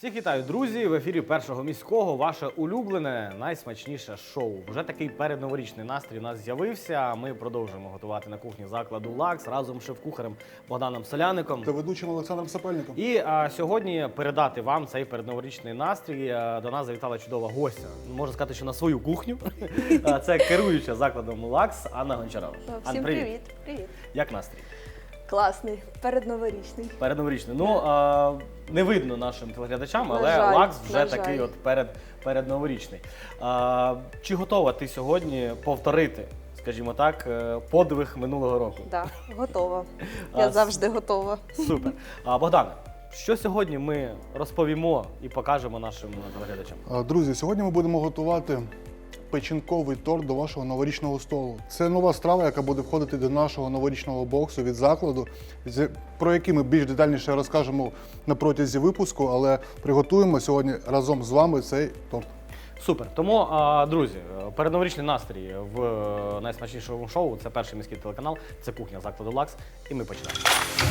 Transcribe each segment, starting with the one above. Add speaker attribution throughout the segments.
Speaker 1: Всіх вітаю, друзі! В ефірі Першого міського ваше улюблене, найсмачніше шоу. Вже такий передноворічний настрій у нас з'явився. Ми продовжуємо готувати на кухні закладу «Лакс» разом з шеф-кухарем Богданом Соляником
Speaker 2: та ведучим Олександром Сапельником.
Speaker 1: І сьогодні передати вам цей передноворічний настрій. До нас завітала чудова гостя. Можна сказати, що на свою кухню. Це керуюча закладом «Лакс» Анна Гончарова.
Speaker 3: Всім привіт. Привіт.
Speaker 1: Як настрій?
Speaker 3: Класний, передноворічний.
Speaker 1: Передноворічний. Ну, не видно нашим телеглядачам, але
Speaker 3: жаль,
Speaker 1: «Лакс» вже
Speaker 3: на
Speaker 1: такий
Speaker 3: жаль.
Speaker 1: от передноворічний. Чи готова ти сьогодні повторити, скажімо так, подвиг минулого року?
Speaker 3: Так, готова. Я завжди готова.
Speaker 1: Супер. Богдане, що сьогодні ми розповімо і покажемо нашим телеглядачам?
Speaker 2: Друзі, сьогодні ми будемо готувати печінковий торт до вашого новорічного столу. Це нова страва, яка буде входити до нашого новорічного боксу від закладу, про який ми більш детальніше розкажемо на протязі випуску, але приготуємо сьогодні разом з вами цей торт.
Speaker 1: Супер. Тому, друзі, передноворічний настрій в найсмачнішому шоу – це Перший міський телеканал, це кухня закладу «Лакс», і ми починаємо.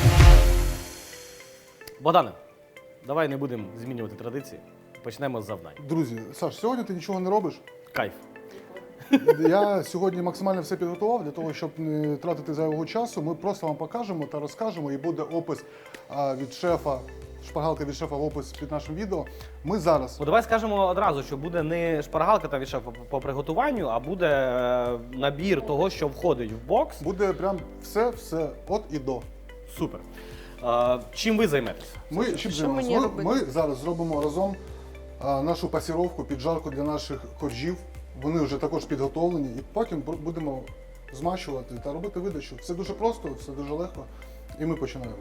Speaker 1: Богдане, давай не будемо змінювати традиції, почнемо з завдань.
Speaker 2: Друзі, Саш, сьогодні ти нічого не робиш.
Speaker 1: Кайф.
Speaker 2: Я сьогодні максимально все підготував для того, щоб не тратити зайвого часу. Ми просто вам покажемо та розкажемо, і буде опис від шефа, шпаргалка від шефа в опис під нашим відео. Ми зараз...
Speaker 1: Ну, давай скажемо одразу, що буде не шпаргалка та від шефа по приготуванню, а буде набір того, що входить в бокс.
Speaker 2: Буде прям все от і до.
Speaker 1: Супер. Чим ви займетеся?
Speaker 3: Що мені робити?
Speaker 2: Ми зараз зробимо разом нашу пасіровку, піджарку для наших коржів. Вони вже також підготовлені, і потім будемо змащувати та робити видачу. Все дуже просто, все дуже легко, і ми починаємо.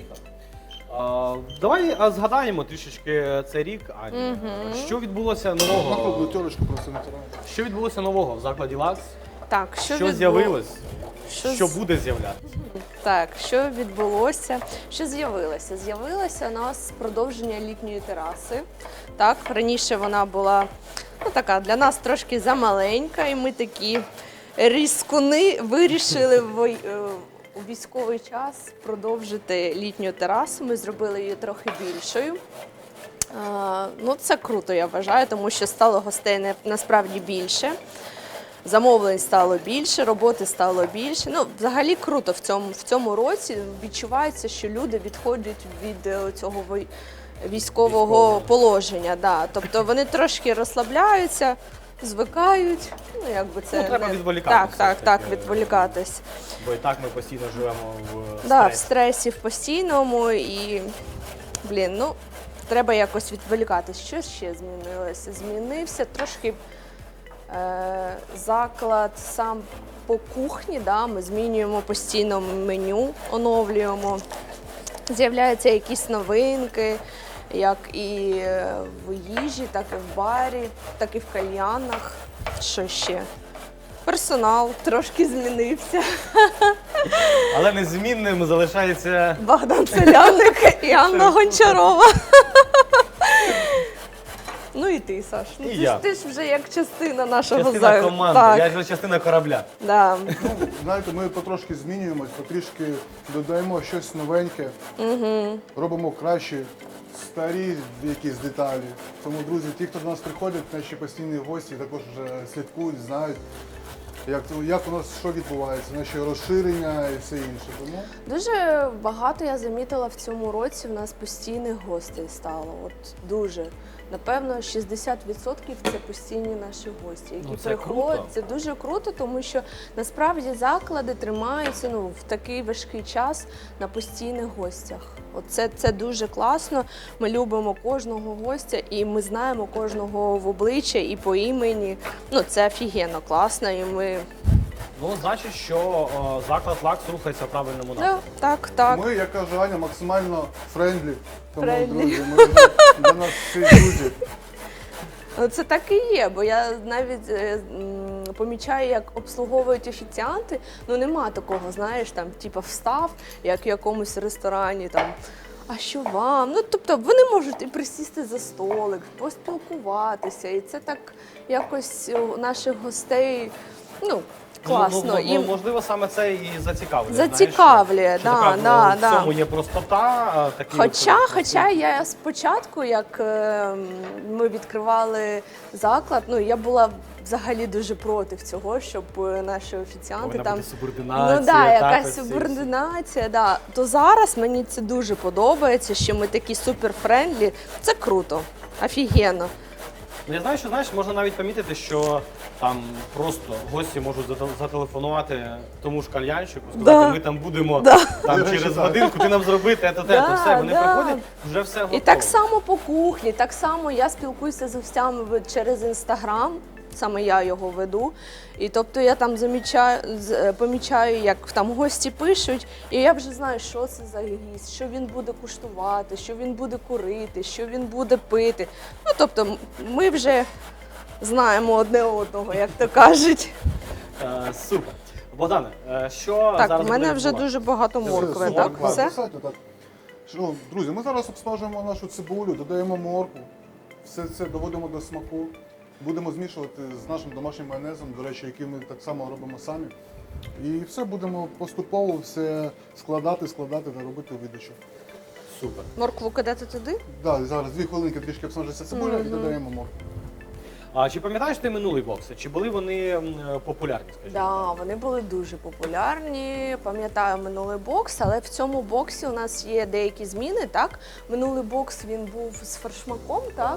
Speaker 1: Давай згадаємо трішечки цей рік, Аня. Що відбулося нового?
Speaker 2: Нахуй терочку просто натираємо.
Speaker 1: Що відбулося нового в закладі «Лакс»?
Speaker 3: Так,
Speaker 1: Що з'явилось? Що буде з'являтися?
Speaker 3: Так, що відбулося? Що з'явилося? З'явилося у нас продовження літньої тераси. Так, раніше вона була така для нас трошки замаленька, і ми такі різкуни вирішили у військовий час продовжити літню терасу. Ми зробили її трохи більшою. Ну, це круто, я вважаю, тому що стало гостей насправді більше. Замовлень стало більше, роботи стало більше. Ну, взагалі круто в цьому році. Відчувається, що люди відходять від цього військового положення. Да. Тобто вони трошки розслабляються, звикають. Ну, якби це
Speaker 1: треба відволікатися.
Speaker 3: Так, відволікатись.
Speaker 1: Бо і так ми постійно живемо в стресі.
Speaker 3: Да, в стресі в постійному і, треба якось відволікатись. Що ще змінилося? Змінився трошки заклад сам по кухні, да, ми змінюємо постійно меню, оновлюємо. З'являються якісь новинки, як і в їжі, так і в барі, так і в кальянах. Що ще? Персонал трошки змінився.
Speaker 1: Але незмінним залишається...
Speaker 3: Богдан Соляник і Анна Гончарова. Ну і ти, Саш. Ти ж вже як частина нашого
Speaker 1: Частина команди,
Speaker 3: так.
Speaker 1: я ж частина корабля.
Speaker 3: Да.
Speaker 2: Ну, знаєте, ми потрошки змінюємось, потрішки додаємо щось новеньке, робимо краще старі якісь деталі. Тому, друзі, ті, хто до нас приходять, наші постійні гості, також вже слідкують, знають, як у нас що відбувається, наші розширення і все інше. Тому...
Speaker 3: Дуже багато я замітила в цьому році, в нас постійних гостей стало. От дуже. Напевно, 60% це постійні наші гості, які
Speaker 1: це
Speaker 3: приходять.
Speaker 1: круто.
Speaker 3: Це дуже круто, тому що насправді заклади тримаються в такий важкий час на постійних гостях. Це дуже класно. Ми любимо кожного гостя і ми знаємо кожного в обличчя і по імені. Це офігенно класно. І ми...
Speaker 1: Ну, значить, що заклад «Лакс» рухається в правильному напрямку.
Speaker 3: Так.
Speaker 2: Ми, як каже Аня, максимально френдлі. Тому,
Speaker 3: Френдлі.
Speaker 2: друзі, ми для нас всі друзі.
Speaker 3: Це так і є, бо я навіть помічаю, як обслуговують офіціанти. Нема такого, знаєш, встав, як в якомусь ресторані, а що вам? Тобто вони можуть і присісти за столик, поспілкуватися. І це так якось у наших гостей, класно.
Speaker 1: Ну, можливо, саме це і зацікавлює.
Speaker 3: Зацікавлює,
Speaker 1: знаєш,
Speaker 3: да.
Speaker 1: В цьому є простота.
Speaker 3: Хоча я спочатку, як ми відкривали заклад, я була взагалі дуже проти цього, щоб наші офіціанти
Speaker 1: Повинна
Speaker 3: там...
Speaker 1: бути субординація.
Speaker 3: Ну так, якась
Speaker 1: ось ці
Speaker 3: субординація, да. То зараз мені це дуже подобається, що ми такі суперфрендлі. Це круто, офігенно.
Speaker 1: Ну, я знаю, що можна навіть помітити, що там просто гості можуть зателефонувати тому ж кальянщику, сказати, ми там будемо там, через годинку, ти нам зроби то все. Вони приходять, вже все готово.
Speaker 3: І так само по кухні, так само я спілкуюся з гостями через Інстаграм, саме я його веду. І тобто я там помічаю, як там гості пишуть, і я вже знаю, що це за гість, що він буде куштувати, що він буде курити, що він буде пити. Ну, тобто ми вже знаємо одне одного, як то кажуть.
Speaker 1: Супер. Богдане, що
Speaker 3: Так,
Speaker 1: зараз
Speaker 3: в мене
Speaker 1: буде
Speaker 3: вже
Speaker 1: відбуватися?
Speaker 3: дуже багато моркви,
Speaker 1: морква.
Speaker 3: так? Все?
Speaker 2: Достатньо, так. Ну, друзі, ми зараз обсмажуємо нашу цибулю, додаємо моркву, все це доводимо до смаку. Будемо змішувати з нашим домашнім майонезом, до речі, який ми так само робимо самі. І все будемо поступово все складати та робити видачу.
Speaker 1: Супер.
Speaker 3: Моркву кидати туди?
Speaker 2: Да, зараз 2 хвилинки трішки обсмажиться цибуля і додаємо моркву.
Speaker 1: А чи пам'ятаєш ти минулий бокс? Чи були вони популярні, скажімо?
Speaker 3: Да, вони були дуже популярні. Пам'ятаю минулий бокс, але в цьому боксі у нас є деякі зміни. Так, минулий бокс він був з фаршмаком. Так,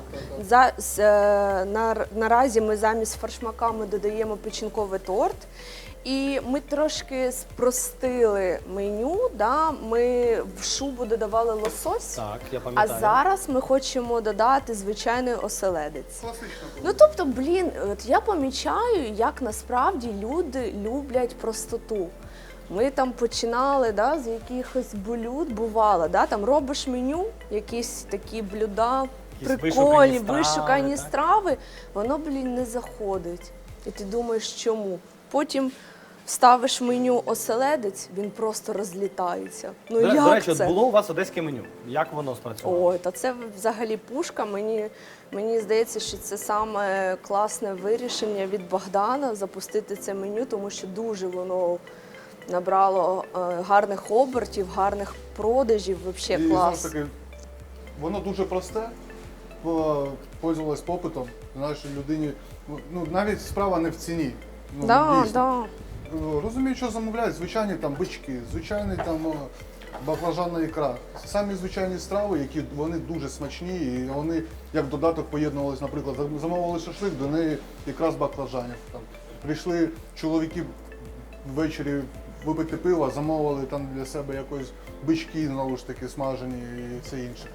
Speaker 3: наразі ми замість фаршмака ми додаємо печінковий торт. І ми трошки спростили меню. Да? Ми в шубу додавали лосось.
Speaker 1: Так, я
Speaker 3: А
Speaker 1: пам'ятаю.
Speaker 3: зараз ми хочемо додати звичайний оселедець.
Speaker 2: Класично.
Speaker 3: Ну тобто, от я помічаю, як насправді люди люблять простоту. Ми там починали з якихось блюд, бувало, там робиш меню, якісь такі блюда,
Speaker 1: Якісь
Speaker 3: прикольні,
Speaker 1: вишукані
Speaker 3: вишукані
Speaker 1: страви,
Speaker 3: страви, воно, не заходить. І ти думаєш, чому? Потім ставиш меню оселедець, він просто розлітається. Ну
Speaker 1: До
Speaker 3: як
Speaker 1: речі,
Speaker 3: це?
Speaker 1: от було у вас одеське меню. Як воно спрацювало?
Speaker 3: Ой, та це взагалі пушка. Мені здається, що це саме класне вирішення від Богдана запустити це меню, тому що дуже воно набрало гарних обертів, гарних продажів. Взагалі
Speaker 2: І
Speaker 3: клас.
Speaker 2: знову ж таки, воно дуже просте, пользувалось попитом. Знаєш, людині, навіть справа не в ціні. Дійсно. Розумію, що замовляють, звичайні там бички, звичайний там баклажанна ікра. Самі звичайні страви, які вони дуже смачні, і вони як додаток поєднувалися, наприклад, замовили шашлик, до неї ікра з баклажанів. Там прийшли чоловіки ввечері випити пиво, замовили там для себе якось бички, знову ж таки, смажені і все інше.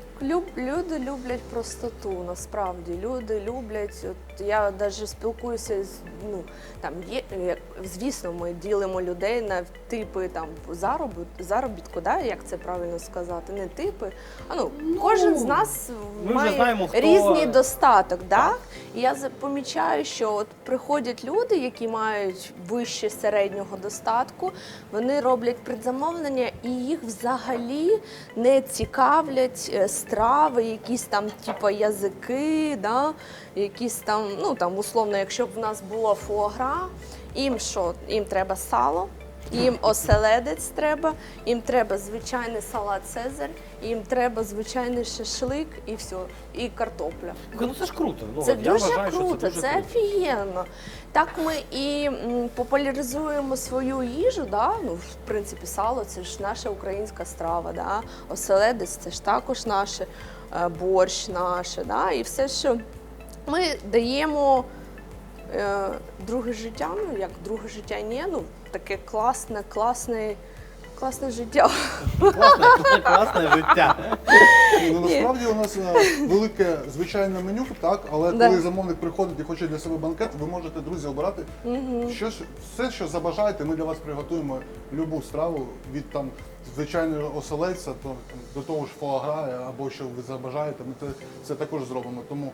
Speaker 3: Люди люблять простоту, насправді. Люди люблять, от я навіть спілкуюся з, там є, звісно, ми ділимо людей на типи там заробітку, як це правильно сказати, не типи, а кожен з нас має
Speaker 1: знаємо, хто...
Speaker 3: різний достаток, І я помічаю, що от приходять люди, які мають вище середнього достатку, вони роблять предзамовлення і їх взагалі не цікавлять страви, якісь там типу язики, якісь там, условно, якщо б в нас було фуагра, їм що? Їм треба сало, їм оселедець треба, їм треба звичайний салат Цезарь, їм треба звичайний шашлик і все, і картопля.
Speaker 1: Ну це ж круто.
Speaker 3: Це
Speaker 1: я
Speaker 3: дуже
Speaker 1: вважаю, що
Speaker 3: круто,
Speaker 1: дуже
Speaker 3: це
Speaker 1: круто.
Speaker 3: офігенно. Так ми і популяризуємо свою їжу, в принципі, сало – це ж наша українська страва, оселедець – це ж також наше, борщ наше, і все, що ми даємо друге життя, як друге життя, таке класне життя.
Speaker 1: Класне життя.
Speaker 2: Насправді у нас велике звичайне меню, так, але коли замовник приходить і хоче для себе банкет, ви можете, друзі, обирати все, що забажаєте, ми для вас приготуємо любу страву від там звичайного оселедця до того ж фуагра або що ви забажаєте, ми це також зробимо. Тому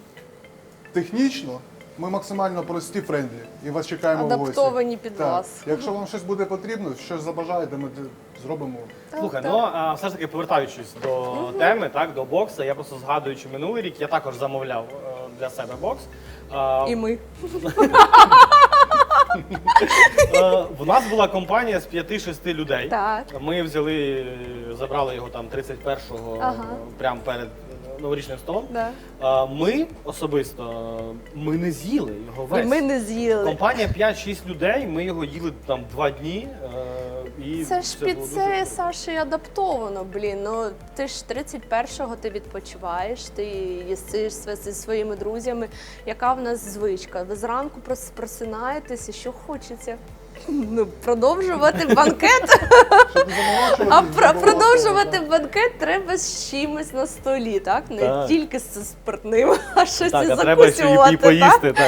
Speaker 2: технічно ми максимально прості, френдлі, і вас чекаємо в гості.
Speaker 3: Адаптовані під вас.
Speaker 2: Якщо вам щось буде потрібно, щось забажаєте, ми зробимо.
Speaker 1: Слухай, все ж таки повертаючись до теми, до бокса, я просто згадуючи минулий рік, я також замовляв для себе бокс.
Speaker 3: І ми.
Speaker 1: У нас була компанія з 5-6 людей.
Speaker 3: Так.
Speaker 1: Ми взяли, забрали його там 31-го,
Speaker 3: Ага.
Speaker 1: прямо перед новорічним столом.
Speaker 3: Да.
Speaker 1: Ми особисто, ми не з'їли його
Speaker 3: І
Speaker 1: весь.
Speaker 3: ми не з'їли.
Speaker 1: Компанія 5-6 людей, ми його їли там 2 дні. І
Speaker 3: Це ж під
Speaker 1: було
Speaker 3: це,
Speaker 1: дуже
Speaker 3: Саша, і адаптовано, блін. Ну ти ж 31-го ти відпочиваєш, ти їсиш зі своїми друзями. Яка в нас звичка? Ви зранку просинаєтеся, що хочеться? Ну, продовжувати банкет.
Speaker 2: Щоб не заморачуватись,
Speaker 3: А
Speaker 2: забувати,
Speaker 3: продовжувати
Speaker 2: да.
Speaker 3: банкет треба з чимось на столі, так? Не
Speaker 1: Так.
Speaker 3: тільки з спиртним, а щось
Speaker 1: Так,
Speaker 3: і
Speaker 1: а треба ще
Speaker 3: закусювати.
Speaker 1: і поїсти. Так.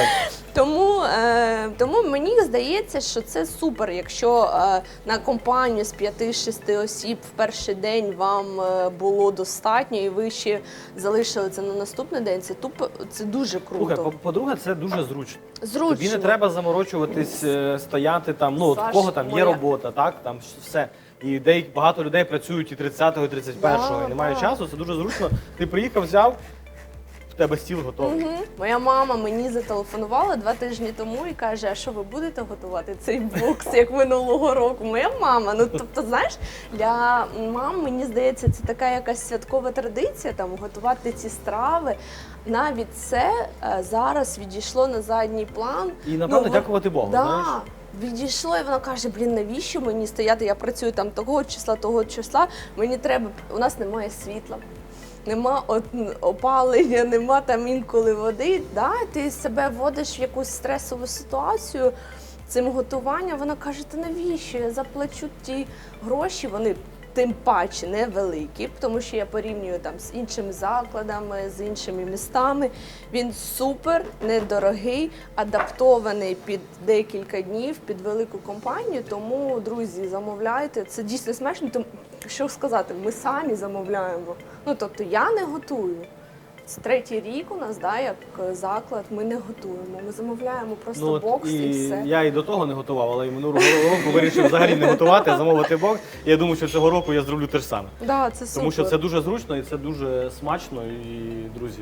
Speaker 3: Тому мені здається, що це супер, якщо на компанію з 5-6 осіб в перший день вам було достатньо і ви ще залишили це на наступний день, це дуже
Speaker 1: Слухай,
Speaker 3: круто.
Speaker 1: по-друге, це дуже зручно.
Speaker 3: Зручно.
Speaker 1: Тобі не треба заморочуватись, стояти там, ну, от в
Speaker 3: Саш,
Speaker 1: кого там є
Speaker 3: моя-
Speaker 1: робота, так, там все. І багато людей працюють і 30-го, і 31-го, і немає
Speaker 3: да.
Speaker 1: часу, це дуже зручно. Ти приїхав, взяв, в тебе стіл готовий.
Speaker 3: Мгм. Моя мама мені зателефонувала 2 тижні тому і каже: а що ви будете готувати цей бокс, як минулого року? Моя мама. Ну тобто, знаєш, для мам, мені здається, це така якась святкова традиція там готувати ці страви. Навіть це зараз відійшло на задній план.
Speaker 1: І, напевно,
Speaker 3: Ну,
Speaker 1: дякувати Богу,
Speaker 3: да.
Speaker 1: знаєш.
Speaker 3: Відійшло, і вона каже: блін, навіщо мені стояти? Я працюю там того числа. Мені треба, у нас немає світла. Нема опалення, нема там інколи води. Да? Ти себе вводиш в якусь стресову ситуацію цим готуванням. Вона каже: та навіщо? Я заплачу ті гроші, вони тим паче невеликі, тому що я порівнюю там з іншими закладами, з іншими містами. Він супер недорогий, адаптований під декілька днів, під велику компанію. Тому, друзі, замовляйте. Це дійсно смачно. Тому, що сказати, ми самі замовляємо. Ну, тобто я не готую. Це 3-й рік у нас, да, як заклад, ми не готуємо. Ми замовляємо просто
Speaker 1: от
Speaker 3: бокс і все.
Speaker 1: Я і до того не готував, але і минулого року вирішив взагалі не готувати, а замовити бокс. І я думаю, що цього року я зроблю те ж саме.
Speaker 3: Да, це супер.
Speaker 1: Тому що це дуже зручно і це дуже смачно. І, друзі,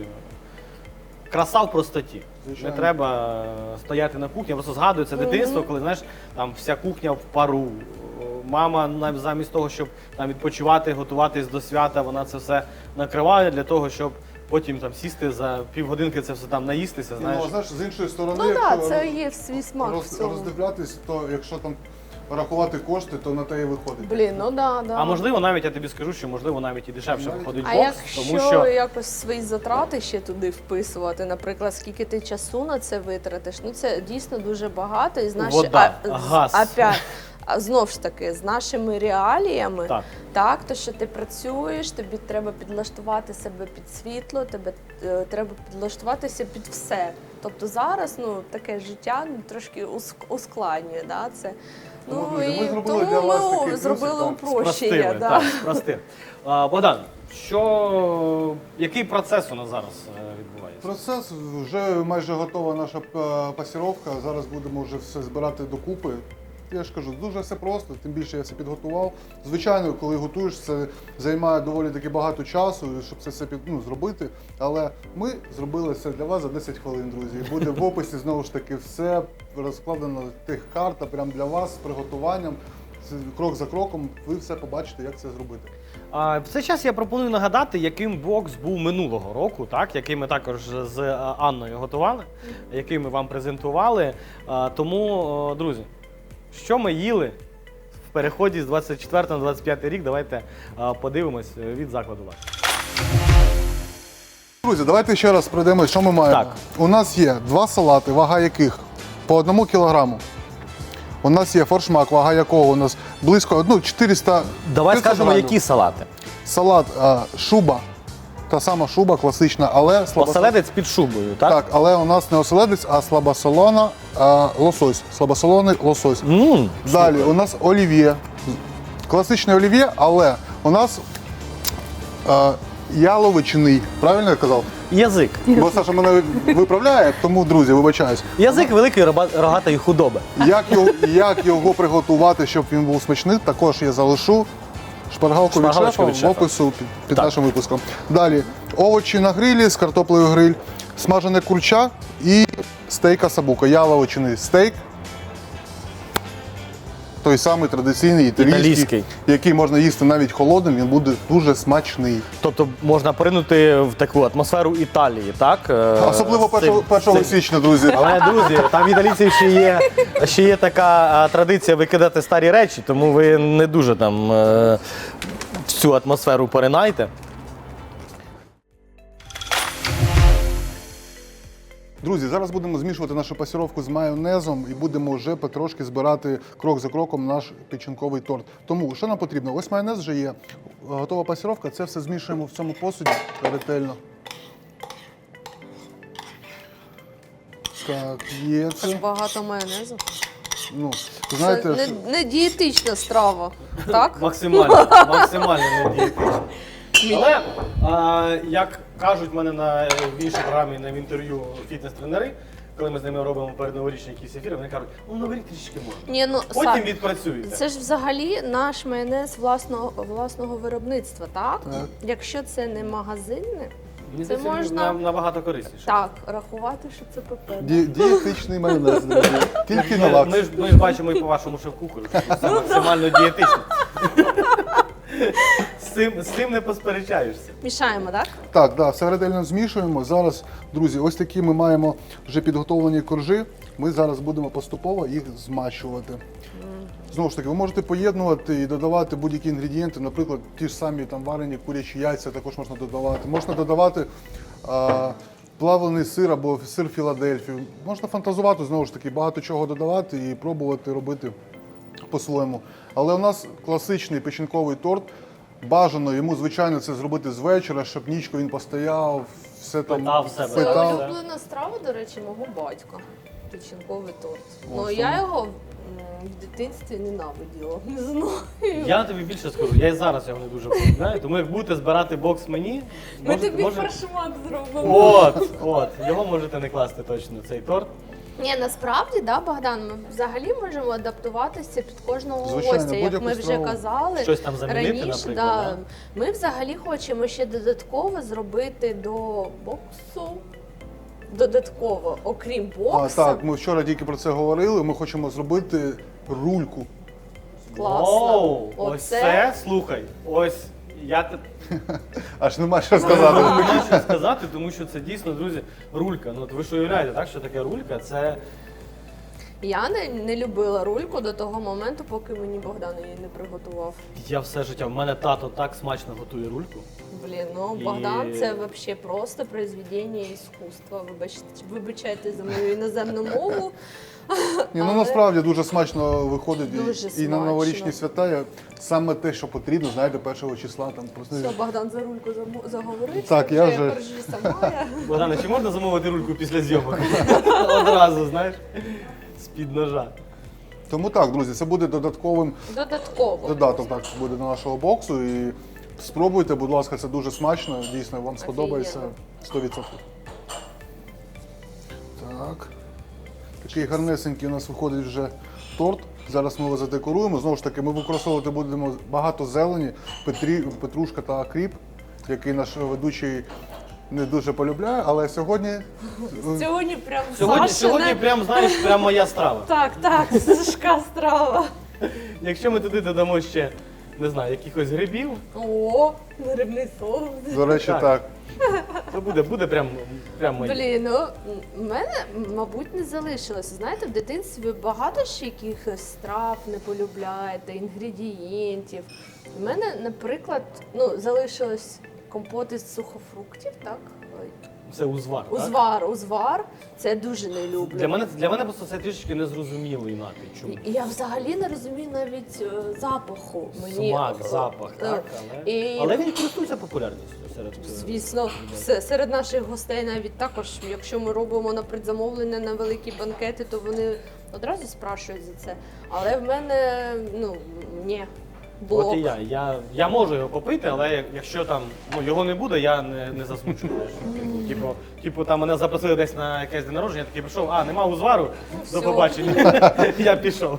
Speaker 1: краса в простоті.
Speaker 2: Звичайно.
Speaker 1: Не треба стояти на кухні. Я просто згадую це дитинство, коли, знаєш, там вся кухня в пару. Мама замість того, щоб там відпочивати, готуватись до свята, вона це все накриває для того, щоб потім там сісти за півгодинки, це все там наїстися, знаєш.
Speaker 2: Ну, знаєш, з іншої сторони,
Speaker 3: Ну так,
Speaker 2: якщо
Speaker 3: це є свій смак в цьому.
Speaker 2: роздивлятись, то якщо там рахувати кошти, то на те і виходить.
Speaker 3: Блін, ну да.
Speaker 1: А можливо, навіть я тобі скажу, що можливо навіть і дешевше
Speaker 2: Навіть.
Speaker 1: виходить
Speaker 3: А
Speaker 1: бокс,
Speaker 3: якщо
Speaker 1: тому що
Speaker 3: якось свої затрати ще туди вписувати, наприклад, скільки ти часу на це витратиш, ну це дійсно дуже багато. І з
Speaker 1: Вода, газ.
Speaker 3: Знов ж таки, з нашими реаліями,
Speaker 1: Так.
Speaker 3: то що ти працюєш, тобі треба підлаштувати себе під світло, тебе треба підлаштуватися під все. Тобто зараз таке життя трошки ускладнює. Да, це.
Speaker 2: Тому, друзі, ми зробили для вас такий плюсик,
Speaker 3: зробили
Speaker 2: так,
Speaker 3: упрощення.
Speaker 1: спростили.
Speaker 3: Да.
Speaker 1: Так, спростили. Богдан, який процес у нас зараз відбувається?
Speaker 2: Процес, вже майже готова наша пасіровка. Зараз будемо вже все збирати докупи. Я ж кажу, дуже все просто, тим більше я все підготував. Звичайно, коли готуєш, це займає доволі таки багато часу, щоб це все зробити. Але ми зробили все для вас за 10 хвилин, друзі. Буде в описі знову ж таки все розкладено, тих карта прямо для вас з приготуванням. Крок за кроком ви все побачите, як це зробити.
Speaker 1: В цей час я пропоную нагадати, яким бокс був минулого року, так, який ми також з Анною готували, який ми вам презентували. Тому, друзі, що ми їли в переході з 24 на 25 рік, давайте подивимось від закладу «Лакс».
Speaker 2: Друзі, давайте ще раз пройдемось, що ми маємо.
Speaker 1: Так.
Speaker 2: У нас є 2 салати, вага яких по 1 кілограму. У нас є форшмак, вага якого у нас близько 400.
Speaker 1: Давай
Speaker 2: 500
Speaker 1: скажемо,
Speaker 2: грамів.
Speaker 1: які салати.
Speaker 2: Салат шуба, та сама шуба класична, але
Speaker 1: Оселедець під шубою, так?
Speaker 2: Так, але у нас не оселедець, а слабосолона лосось. Слабосолоний лосось. Далі у нас олів'є. Класичне олів'є, але у нас яловичний. Правильно я казав?
Speaker 1: Язик.
Speaker 2: Бо Саша мене виправляє, тому, друзі, вибачаюсь.
Speaker 1: Язик великої рогатої худоби.
Speaker 2: Як його приготувати, щоб він був смачний, також я залишу шпаргалку від
Speaker 1: Шпаргалочку
Speaker 2: шефа
Speaker 1: від шефа.
Speaker 2: в опису під нашим випуском. Далі овочі на грилі з картоплею гриль, смажене курча і стейк асабука. Яловичний стейк той самий традиційний італійський,
Speaker 1: Італійський.
Speaker 2: який можна їсти навіть холодним, він буде дуже смачний.
Speaker 1: Тобто можна поринути в таку атмосферу Італії, так?
Speaker 2: Особливо
Speaker 1: З цим-
Speaker 2: 1 січня, друзі.
Speaker 1: Але, друзі, там в італійців ще є така традиція викидати старі речі, тому ви не дуже там в цю атмосферу поринайте.
Speaker 2: Друзі, зараз будемо змішувати нашу пасіровку з майонезом і будемо вже потрошки збирати крок за кроком наш печінковий торт. Тому, що нам потрібно? Ось майонез вже є, готова пасіровка, це все змішуємо в цьому посуді ретельно. Так, є
Speaker 3: Аж
Speaker 2: це.
Speaker 3: багато майонезу.
Speaker 2: Ну,
Speaker 3: Це
Speaker 2: знаєте,
Speaker 3: не дієтична страва, так?
Speaker 1: Максимально не дієтично. Але, як кажуть в мене в іншій програмі, в інтерв'ю фітнес-тренери, коли ми з ними робимо передноворічні якісь ефіри, вони кажуть, ну новий рік трішки можна.
Speaker 3: Ні, ну,
Speaker 1: Потім
Speaker 3: Сань,
Speaker 1: відпрацюєте.
Speaker 3: це ж взагалі наш майонез власного виробництва, так?
Speaker 2: Так.
Speaker 3: Якщо це не магазинне,
Speaker 1: Мені
Speaker 3: це
Speaker 1: здається,
Speaker 3: можна-
Speaker 1: набагато корисніше.
Speaker 3: так, рахувати, що це ПП.
Speaker 2: дієтичний майонез, друзі. Тільки на лакс.
Speaker 1: Ми ж бачимо і по вашому шеф-кухарю, що це максимально дієтично. З цим не посперечаєшся.
Speaker 3: Мішаємо, так?
Speaker 2: Так, да, все ретельно змішуємо. Зараз, друзі, ось такі ми маємо вже підготовлені коржі. Ми зараз будемо поступово їх змащувати. Знову ж таки, ви можете поєднувати і додавати будь-які інгредієнти, наприклад, ті ж самі там варені курячі яйця також можна додавати. Можна додавати плавлений сир або сир Філадельфію. Можна фантазувати, знову ж таки, багато чого додавати і пробувати робити по-своєму. Але у нас класичний печінковий торт. Бажано йому, звичайно, це зробити з вечора, щоб нічку він постояв, все там
Speaker 1: Впитав в себе.
Speaker 3: Це
Speaker 1: Питав.
Speaker 3: улюблена страва, до речі, мого батька. Печінковий торт. Ну
Speaker 2: О,
Speaker 3: я його в дитинстві ненавиділа. Не знаю.
Speaker 1: Я тобі більше скажу, я і зараз його не дуже полюбляю, тому як будете збирати бокс мені,
Speaker 3: Ми тобі фаршмак зробимо.
Speaker 1: от, його можете не класти точно, цей торт.
Speaker 3: Ні, насправді, да, Богдан, ми взагалі можемо адаптуватися під кожного
Speaker 2: Звичайно,
Speaker 3: гостя, як
Speaker 2: будь-яку
Speaker 3: ми вже
Speaker 2: страву.
Speaker 3: казали.
Speaker 1: Щось там замінити,
Speaker 3: раніше,
Speaker 1: наприклад,
Speaker 3: да. Ми взагалі хочемо ще додатково зробити до боксу. Додатково, окрім боксу.
Speaker 2: Так, ми вчора тільки про це говорили. Ми хочемо зробити рульку.
Speaker 3: Класно.
Speaker 1: Оу, ось це, слухай, ось я
Speaker 2: Аж нема що
Speaker 1: не
Speaker 2: сказати.
Speaker 1: можу що сказати, тому що це дійсно, друзі, рулька. Ну, от ви ж уявляєте, так, що таке рулька? Це
Speaker 3: Я не любила рульку до того моменту, поки мені Богдан її не приготував.
Speaker 1: я все життя. В мене тато так смачно готує рульку.
Speaker 3: Блін, ну
Speaker 1: І-
Speaker 3: Богдан це взагалі просто произведення іскусства. Вибачайте за мою іноземну мову.
Speaker 2: Ні, ну
Speaker 3: Але-
Speaker 2: насправді дуже смачно виходить і-
Speaker 3: Дуже
Speaker 2: і на
Speaker 3: смачно.
Speaker 2: новорічні свята є саме те, що потрібно, знаєте, 1 числа там просто.
Speaker 3: Все, Богдан за рульку заговорив.
Speaker 2: Так, я вже-
Speaker 3: коржі сама. я.
Speaker 1: Богдане, чи можна замовити рульку після зйомок? Одразу, знаєш, з-під ножа.
Speaker 2: Тому так, друзі, це буде додатковим
Speaker 3: Додатково.
Speaker 2: додаток так буде до нашого боксу. І спробуйте, будь ласка, це дуже смачно. Дійсно, вам сподобається 100%. Так. Такий гарнесенький у нас виходить вже торт. Зараз ми його задекоруємо. Знову ж таки, ми використовувати будемо багато зелені, петрушка та кріп, який наш ведучий не дуже полюбляє, але сьогодні
Speaker 3: Сьогодні прям
Speaker 1: Сьогодні
Speaker 3: Сашина-
Speaker 1: прям, знаєш, прям моя страва.
Speaker 3: Так, Сашка страва.
Speaker 1: Якщо ми туди додамо ще, не знаю, якихось грибів,
Speaker 3: О, грибний соус.
Speaker 2: до речі,
Speaker 1: Так.
Speaker 2: так.
Speaker 1: то буде прям моє.
Speaker 3: Блін, ну в мене, мабуть, не залишилося. Знаєте, в дитинстві ви багато ще якихось страв не полюбляєте, інгредієнтів. У мене, наприклад, залишилось компот із сухофруктів, так? Ой.
Speaker 1: Це узвар. так?
Speaker 3: Узвар. Це я дуже не люблю.
Speaker 1: Для мене просто це трішечки незрозумілий напій. Чому?
Speaker 3: І я взагалі не розумію навіть запаху.
Speaker 1: Смак, запах, так, але він користується популярністю серед
Speaker 3: Звісно, серед наших гостей навіть також, якщо ми робимо на предзамовлення на великі банкети, то вони одразу спрашують за це. Але в мене, ні, блок.
Speaker 1: От і я можу його попити, але якщо там його не буде, я не засмучу. Типу, там мене запросили десь на якесь день народження, я такий прийшов, нема узвару, до
Speaker 3: все.
Speaker 1: побачення. Я пішов.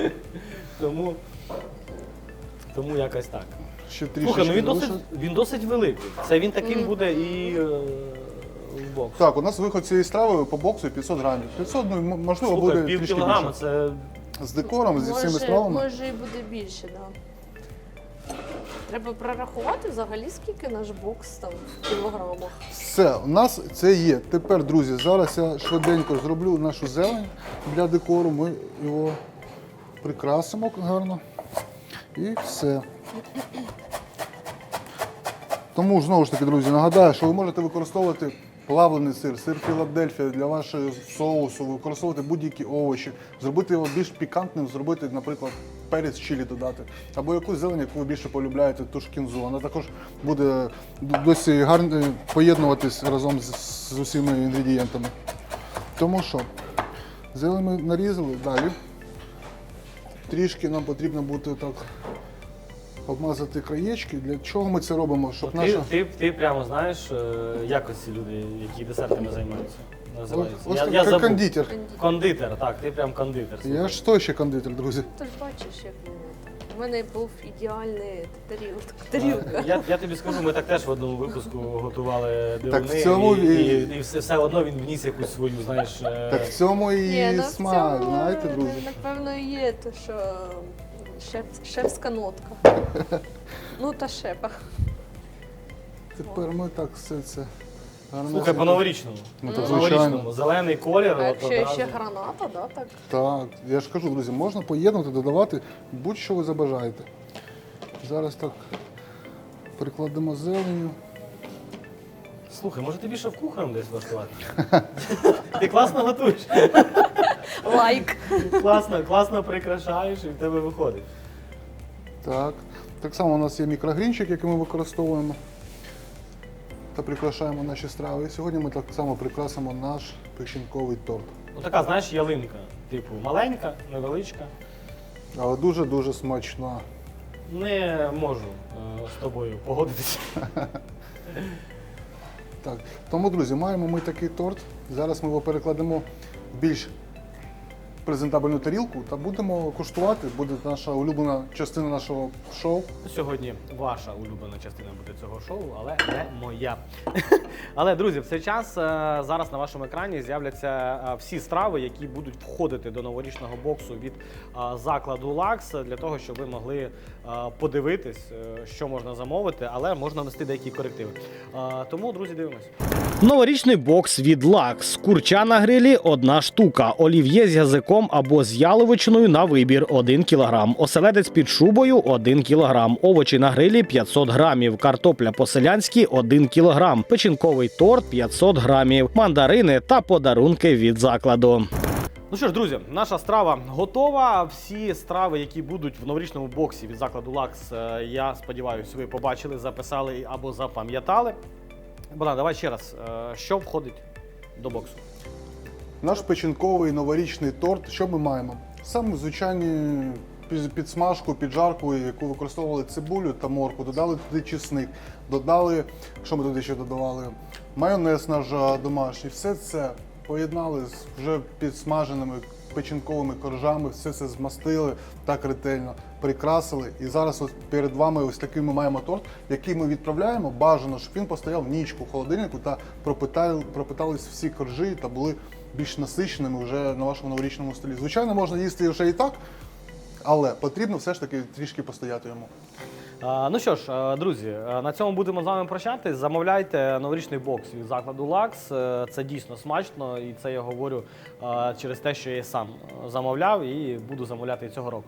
Speaker 1: Тому якось так.
Speaker 2: Ще
Speaker 1: Слухай,
Speaker 2: трішечки
Speaker 1: ну
Speaker 2: залишилось.
Speaker 1: він досить великий. Це він таким буде і в бокс.
Speaker 2: Так, у нас виход цієї страви по боксу 500 грамів. 500, можливо,
Speaker 1: Слухай,
Speaker 2: буде
Speaker 1: пів
Speaker 2: трішки
Speaker 1: кілограма
Speaker 2: більше.
Speaker 1: це
Speaker 2: з декором, зі всіми стравами.
Speaker 3: Може і буде більше, так. Да. Треба прорахувати взагалі, скільки наш бокс там в кілограмах.
Speaker 2: Все, у нас це є. Тепер, друзі, зараз я швиденько зроблю нашу зелень для декору. Ми його прикрасимо гарно. І все. Тому, знову ж таки, друзі, нагадаю, що ви можете використовувати плавлений сир, сир Філадельфія для вашого соусу, використовувати будь-які овочі, зробити його більш пікантним, зробити, наприклад, перець чилі додати, або якусь зелень, яку ви більше полюбляєте, ту ж кінзу. Вона також буде досі гарно поєднуватись разом з усіма інгредієнтами. Тому що, зелень ми нарізали, далі трішки нам потрібно буде так обмазати краєчки. Для чого ми це робимо? Щоб наша...
Speaker 1: Ти прямо знаєш, як ось ці люди, які десертами займаються, називаються.
Speaker 2: Ось
Speaker 1: Я
Speaker 2: як
Speaker 1: забув.
Speaker 2: кондитер.
Speaker 1: Кондитер, так, ти прям кондитер.
Speaker 2: Я ж той ще кондитер, друзі.
Speaker 3: Ти ж бачиш, як мене. У мене був ідеальний тарілка.
Speaker 1: Я тобі скажу, ми так теж в одному випуску готували дивини,
Speaker 2: в цьому
Speaker 1: і все одно він вніс якусь свою, знаєш...
Speaker 2: Так в цьому і
Speaker 3: Ні,
Speaker 2: смак, знаєте, друзі.
Speaker 3: Напевно, є те, що шефська нотка. Ну та шефа.
Speaker 2: Тепер ми так все це гарно.
Speaker 1: Слухай, по-новорічному.
Speaker 2: Ну, так,
Speaker 1: По-новорічному.
Speaker 2: звичайно.
Speaker 1: Зелений колір.
Speaker 3: А
Speaker 1: от
Speaker 3: якщо
Speaker 1: одразу.
Speaker 3: ще граната, да, так?
Speaker 2: Так, я ж кажу, друзі, можна поєднувати, додавати будь-що ви забажаєте. Зараз так прикладемо зеленю.
Speaker 1: Слухай, може тобі шеф-кухарем десь влаштувати? Ти класно готуєш,
Speaker 3: Лайк.
Speaker 1: класно прикрашаєш і в тебе виходить.
Speaker 2: Так. Так само у нас є мікрогрінчик, який ми використовуємо та прикрашаємо наші страви. І сьогодні ми так само прикрасимо наш печінковий торт.
Speaker 1: Ну така, знаєш, ялинка. Типу маленька, невеличка.
Speaker 2: Але дуже-дуже смачна.
Speaker 1: Не можу з тобою погодитися.
Speaker 2: Так. Тому, друзі, маємо ми такий торт. Зараз ми його перекладемо в більш презентабельну тарілку та будемо куштувати. Буде наша улюблена частина нашого шоу.
Speaker 1: Сьогодні ваша улюблена частина буде цього шоу, але не моя. Але, друзі, в цей час зараз на вашому екрані з'являться всі страви, які будуть входити до новорічного боксу від закладу Лакс, для того, щоб ви могли подивитись, що можна замовити, але можна внести деякі корективи. Тому, друзі, дивимось. Новорічний бокс від Лакс. Курча на грилі – 1 штука. Олів'є з язиком або з яловичиною на вибір – 1 кг. Оселедець під шубою – 1 кг. Овочі на грилі – 500 грамів. Картопля по-селянськи – 1 кг. Печінковий торт – 500 грамів. Мандарини та подарунки від закладу. Ну що ж, друзі, наша страва готова. Всі страви, які будуть в новорічному боксі від закладу Лакс, я сподіваюся, ви побачили, записали або запам'ятали. Богдан, давай ще раз, що входить до боксу?
Speaker 2: Наш печінковий новорічний торт. Що ми маємо? Саме звичайні підсмажку, піджарку, яку використовували цибулю та моркву, додали туди чесник, додали, що ми туди ще додавали? Майонез наш домашній. Все це поєднали з вже підсмаженими печінковими коржами, все це змастили так ретельно, прикрасили. І зараз ось перед вами ось такий ми маємо торт, який ми відправляємо. Бажано, щоб він постояв нічку в холодильнику та пропитались всі коржі та були більш насиченими вже на вашому новорічному столі. Звичайно, можна їсти вже і так, але потрібно все ж таки трішки постояти йому.
Speaker 1: Ну що ж, друзі, на цьому будемо з вами прощатись. Замовляйте новорічний бокс від закладу Лакс. Це дійсно смачно, і це я говорю через те, що я сам замовляв і буду замовляти і цього року.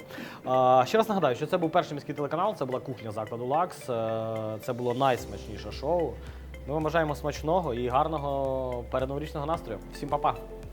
Speaker 1: Ще раз нагадаю, що це був перший міський телеканал, це була кухня закладу Лакс. Це було найсмачніше шоу. Ми вам бажаємо смачного і гарного передноворічного настрою. Всім па-па!